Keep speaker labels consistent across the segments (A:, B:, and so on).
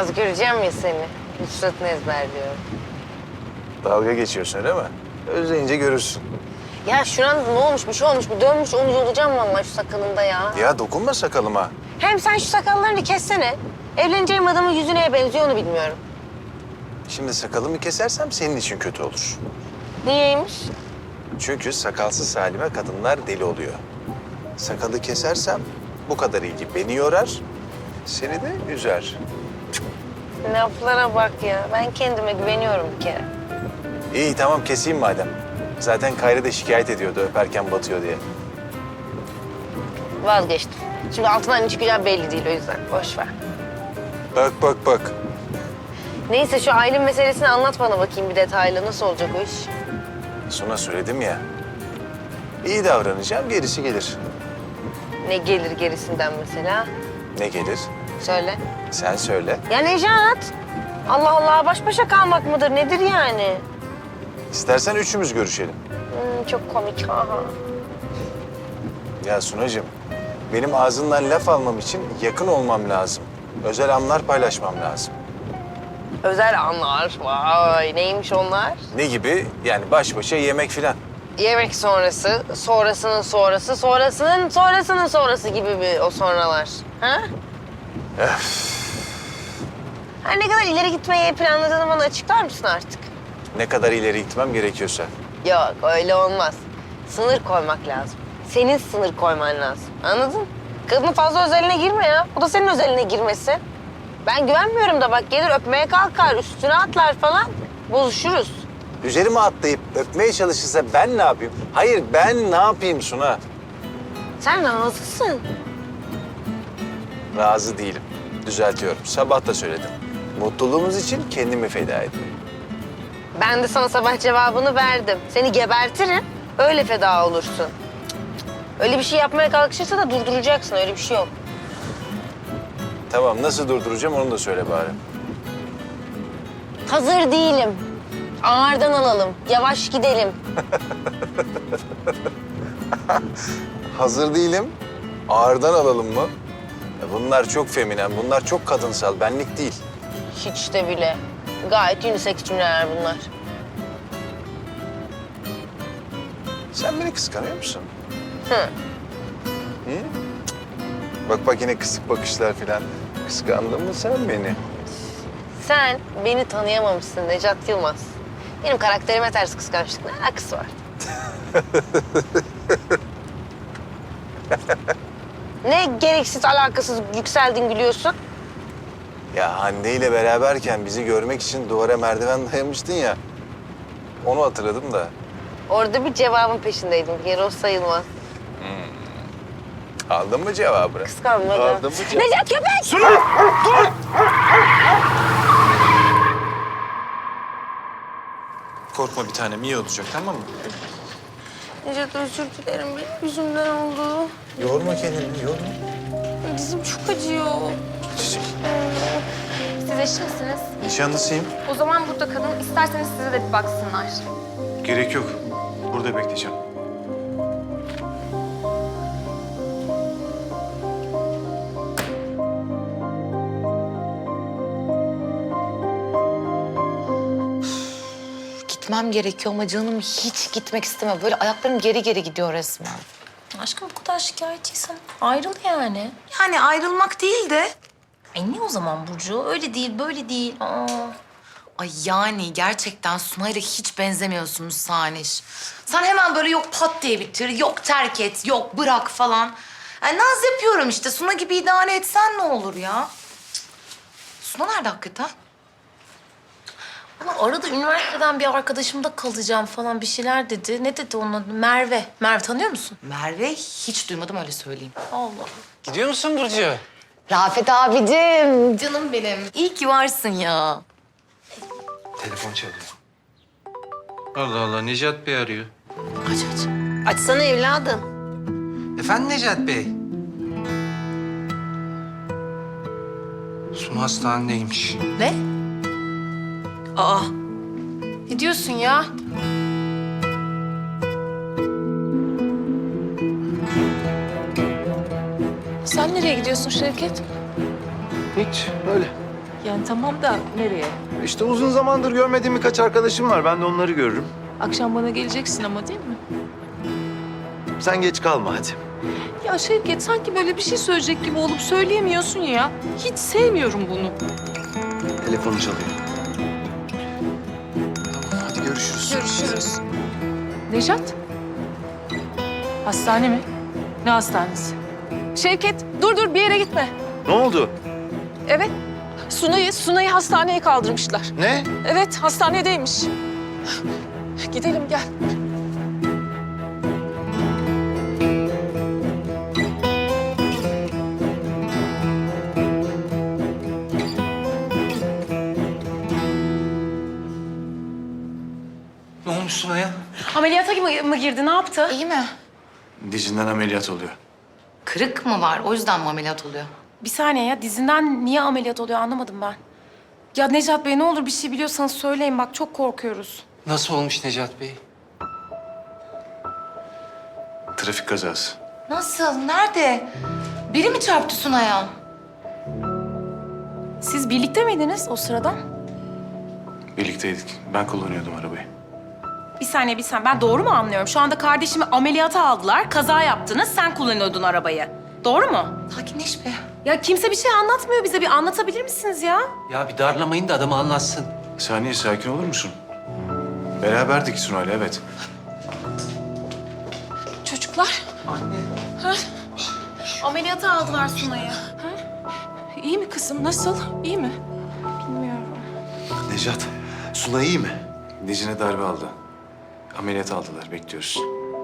A: Biraz göreceğim ya seni. Nusret'ini ezberliyorum.
B: Dalga geçiyorsun öyle mi? Özleyince görürsün.
A: Ya şuran ne olmuş, bir şey olmuş, bir dönmüş, onu yolacağım vallahi şu sakalında ya.
B: Ya dokunma sakalıma.
A: Hem sen şu sakallarını kessene. Evleneceğim adamın yüzü neye benziyor onu bilmiyorum.
B: Şimdi sakalımı kesersem senin için kötü olur.
A: Niyeymiş?
B: Çünkü sakalsız halime kadınlar deli oluyor. Sakalı kesersem bu kadar ilgi beni yorar, seni de üzer.
A: Laflara bak ya. Ben kendime güveniyorum bir kere.
B: İyi tamam keseyim madem. Zaten Kayra da şikayet ediyordu öperken batıyor diye.
A: Vazgeçtim. Şimdi altından ne çıkacağı belli değil o yüzden. Boş ver.
B: Bak bak bak.
A: Neyse şu Aylin meselesini anlat bana bakayım bir detaylı. Nasıl olacak o iş?
B: Sonra söyledim ya. İyi davranacağım, gerisi gelir.
A: Ne gelir gerisinden mesela?
B: Ne gelir?
A: Söyle.
B: Sen söyle.
A: Ya Nejat! Allah Allah baş başa kalmak mıdır? Nedir yani?
B: İstersen üçümüz görüşelim.
A: Çok komik. Ha.
B: Ya Sunacığım, benim ağzından laf almam için yakın olmam lazım. Özel anlar paylaşmam lazım.
A: Özel anlar. Vay neymiş onlar?
B: Ne gibi? Yani baş başa yemek filan.
A: Yemek sonrası, sonrasının sonrası, sonrasının sonrasının sonrası gibi bir o sonralar. Ha? Ha, ne kadar ileri gitmeyi planladığını bana açıklar mısın artık?
B: Ne kadar ileri gitmem gerekiyorsa.
A: Yok öyle olmaz. Sınır koymak lazım. Senin sınır koyman lazım. Anladın? Kadının fazla özeline girme ya. O da senin özeline girmesi. Ben güvenmiyorum da bak gelir öpmeye kalkar, üstüne atlar falan. Bozuşuruz.
B: Üzerime atlayıp öpmeye çalışırsa ben ne yapayım? Hayır ben ne yapayım Suna?
A: Sen razısın.
B: Razı değilim. Düzeltiyorum. Sabah da söyledim. Mutluluğumuz için kendimi feda ediyorum.
A: Ben de sana sabah cevabını verdim. Seni gebertirim, öyle feda olursun. Cık, öyle bir şey yapmaya kalkışırsa da durduracaksın, öyle bir şey yok.
B: Tamam nasıl durduracağım onu da söyle bari.
A: Hazır değilim. Ağırdan alalım, yavaş gidelim.
B: Hazır değilim. Ağırdan alalım mı? Ya bunlar çok feminen, bunlar çok kadınsal. Benlik değil.
A: Hiç de bile. Gayet unisex cümleler bunlar.
B: Sen beni kıskanıyor musun?
A: Hı.
B: Hı? Bak bak yine kısık bakışlar falan. Kıskandın mı sen beni?
A: Sen beni tanıyamamışsın Necat Yılmaz. Benim karakterime ters kıskançlık ne alakası var? Ne gereksiz, alakasız yükseldin gülüyorsun?
B: Ya Hande ile beraberken bizi görmek için duvara merdiven dayamıştın ya. Onu hatırladım da.
A: Orada bir cevabın peşindeydim. Bir kere o sayılmaz.
B: Aldın mı cevabını?
A: Kıskanmadım.
B: Aldın mı cevabını?
A: Necat köpek!
B: Sunu! Dur!
C: Korkma bir tanem, iyi olacak tamam mı?
A: Necat özür dilerim. Benim yüzümden oldu.
B: Yorma kendini, yorma.
A: Dizim çok acıyor.
B: Çiçek.
D: Siz eşi misiniz?
B: Nişanlısıyım.
D: O zaman burada kalın. İsterseniz size de bir baksınlar.
C: Gerek yok. Burada bekleyeceğim.
E: Gitmem gerekiyor ama canım hiç gitmek istemiyor. Böyle ayaklarım geri geri gidiyor resmen.
F: Aşkım bu kadar şikayetçiysen ayrıl yani.
E: Yani ayrılmak değil de...
F: Ay ne o zaman Burcu? Öyle değil, böyle değil. Aa.
E: Ay yani gerçekten Sunay'la hiç benzemiyorsunuz Saniş. Sen hemen böyle yok pat diye bitir, yok terk et, yok bırak falan. Yani naz yapıyorum işte. Suna gibi idare etsen ne olur ya? Cık. Suna nerede hakikaten?
F: Ama arada üniversiteden bir arkadaşımda kalacağım falan bir şeyler dedi. Ne dedi onun adı? Merve. Merve tanıyor musun?
E: Merve hiç duymadım öyle söyleyeyim.
F: Allah.
C: Gidiyor musun Burcu?
E: Rafet abicim, canım benim. İyi ki varsın ya.
C: Telefon çalıyor. Allah Allah, Necat Bey arıyor.
E: Aç aç.
A: Açsana evladım.
C: Efendim Necat Bey? Sunu hastanedeymiş.
E: Ne? Aa,
F: Ne diyorsun ya? Sen nereye gidiyorsun Şevket?
C: Hiç, öyle.
G: Yani tamam da nereye?
B: İşte uzun zamandır görmediğim birkaç arkadaşım var. Ben de onları görürüm.
G: Akşam bana geleceksin ama değil mi?
B: Sen geç kalma hadi.
G: Ya Şevket sanki böyle bir şey söyleyecek gibi olup söyleyemiyorsun ya. Hiç sevmiyorum bunu.
B: Telefonu çalıyor. Tamam hadi görüşürüz.
G: Görüşürüz. Nejat? Hastane mi? Ne hastanesi? Şevket dur bir yere gitme.
B: Ne oldu?
G: Evet. Sunay'ı hastaneye kaldırmışlar.
B: Ne?
G: Evet hastanedeymiş. Gidelim gel.
C: Ne olmuş Sunay'a?
F: Ameliyata mı girdi? Ne yaptı?
E: İyi mi?
B: Dizinden ameliyat oluyor.
E: Kırık mı var? O yüzden mi ameliyat oluyor?
F: Bir saniye ya. Dizinden niye ameliyat oluyor anlamadım ben. Ya Necat Bey ne olur bir şey biliyorsanız söyleyin. Bak çok korkuyoruz.
C: Nasıl olmuş Necat Bey?
B: Trafik kazası.
E: Nasıl? Nerede? Biri mi çarptı Sunay'a?
F: Siz birlikte miydiniz o sırada?
B: Birlikteydik. Ben kullanıyordum arabayı.
F: Bir saniye. Ben doğru mu anlıyorum? Şu anda kardeşimi ameliyata aldılar. Kaza yaptınız. Sen kullanıyordun arabayı. Doğru mu?
E: Sakinleş be.
F: Ya kimse bir şey anlatmıyor bize. Bir anlatabilir misiniz ya?
C: Ya bir darlamayın da adamı anlatsın.
B: Saniye sakin olur musun? Beraberdik Sunay'la evet.
F: Çocuklar.
C: Anne.
F: Ameliyata aldılar Sunay'ı.
G: İyi mi kızım? Nasıl? İyi mi?
F: Bilmiyorum.
B: Nejat, Sunay iyi mi? Dizine darbe aldı. Ameliyat aldılar, bekliyoruz.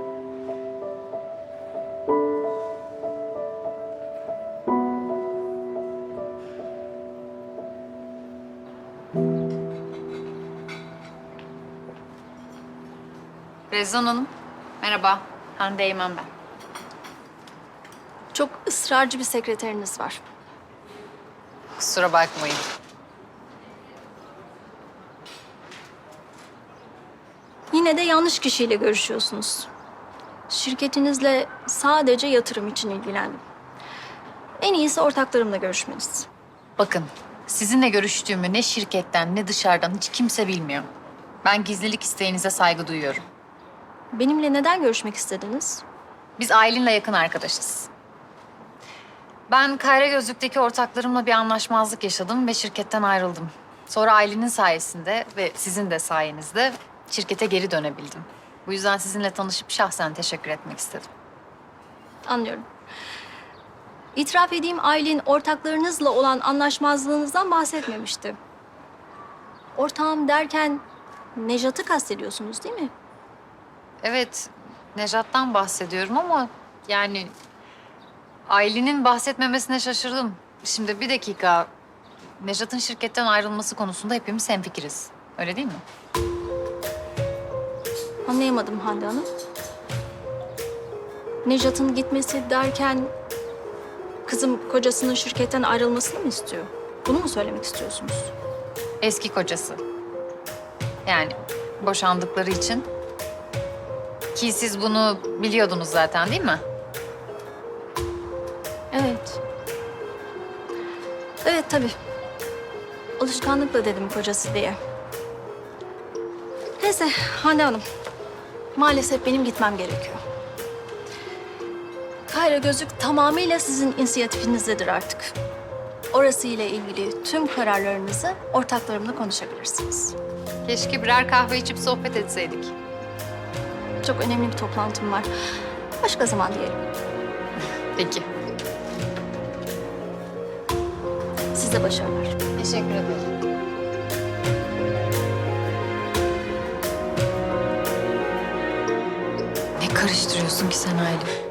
H: Rezan Hanım, merhaba. Hande Eymen ben.
I: Çok ısrarcı bir sekreteriniz var.
H: Kusura bakmayın.
I: Yine de yanlış kişiyle görüşüyorsunuz. Şirketinizle sadece yatırım için ilgilendim. En iyisi ortaklarımla görüşmeniz.
H: Bakın, sizinle görüştüğümü ne şirketten ne dışarıdan hiç kimse bilmiyor. Ben gizlilik isteğinize saygı duyuyorum.
I: Benimle neden görüşmek istediniz?
H: Biz Aylin'le yakın arkadaşız. Ben Kayra Gözlük'teki ortaklarımla bir anlaşmazlık yaşadım ve şirketten ayrıldım. Sonra Aylin'in sayesinde ve sizin de sayenizde şirkete geri dönebildim. Bu yüzden sizinle tanışıp şahsen teşekkür etmek istedim.
I: Anlıyorum. İtiraf edeyim Aylin ortaklarınızla olan anlaşmazlığınızdan bahsetmemişti. Ortağım derken Nejat'ı kastediyorsunuz değil mi?
H: Evet, Nejat'tan bahsediyorum ama yani Aylin'in bahsetmemesine şaşırdım. Şimdi bir dakika, Nejat'ın şirketten ayrılması konusunda hepimiz hemfikiriz. Öyle değil mi?
I: Anlayamadım Hande Hanım. Nejat'ın gitmesi derken kızım kocasının şirketten ayrılmasını mı istiyor? Bunu mu söylemek istiyorsunuz?
H: Eski kocası. Yani boşandıkları için. Ki siz bunu biliyordunuz zaten değil mi?
I: Evet. Evet tabii. Alışkanlıkla dedim kocası diye. Neyse Hande Hanım. Maalesef benim gitmem gerekiyor. Kayra Gözlük tamamıyla sizin inisiyatifinizdedir artık. Orası ile ilgili tüm kararlarınızı ortaklarımla konuşabilirsiniz.
H: Keşke birer kahve içip sohbet etseydik.
I: Çok önemli bir toplantım var. Başka zaman diyelim.
H: Peki.
I: Size başarılar.
H: Teşekkür ederim.
E: Ne karıştırıyorsun ki sen Aylin?